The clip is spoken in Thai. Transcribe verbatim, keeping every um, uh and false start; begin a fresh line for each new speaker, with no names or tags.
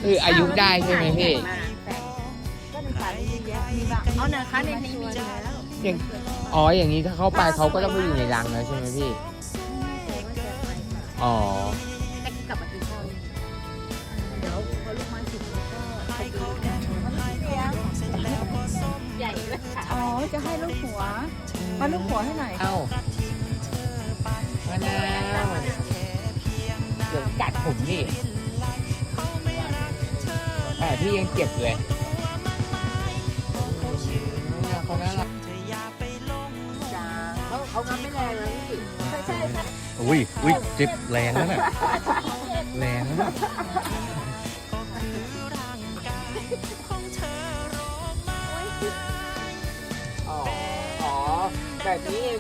คืออายุได้ใช่ไหมพี่
ก็ในป่ามีเยอะมีบางเอาเนอะคะในนี้มีแล้ว
อย่างอ๋ออย่างนี้ถ้าเข้าไปเขาก็ต้องไปอยู่ในรังแล้วใช่ไหมพี่ อ๋อ
แต่กลับมากินข้าวนี่เดี๋ยวพอลูกมาสิบก็ไปดูใหญ่เลยค่ะ
อ๋อ จะให้ลูกหัว มาลูกหัวให้หน่อย
เอ้ามะนาวเดี๋ยวกัดผมนี่แต่พี่ยังเจ็บเลยมะนาวเขาน่ารัก
จ้าเขาเขางับไม่แรงเลยพี่ใช่ใช่ใช่
อุ้ยอุ้ยจิบแรงแล้วน่ะแรงแล้วน่ะ
อ๋อ อ๋อ แบบนี้เอง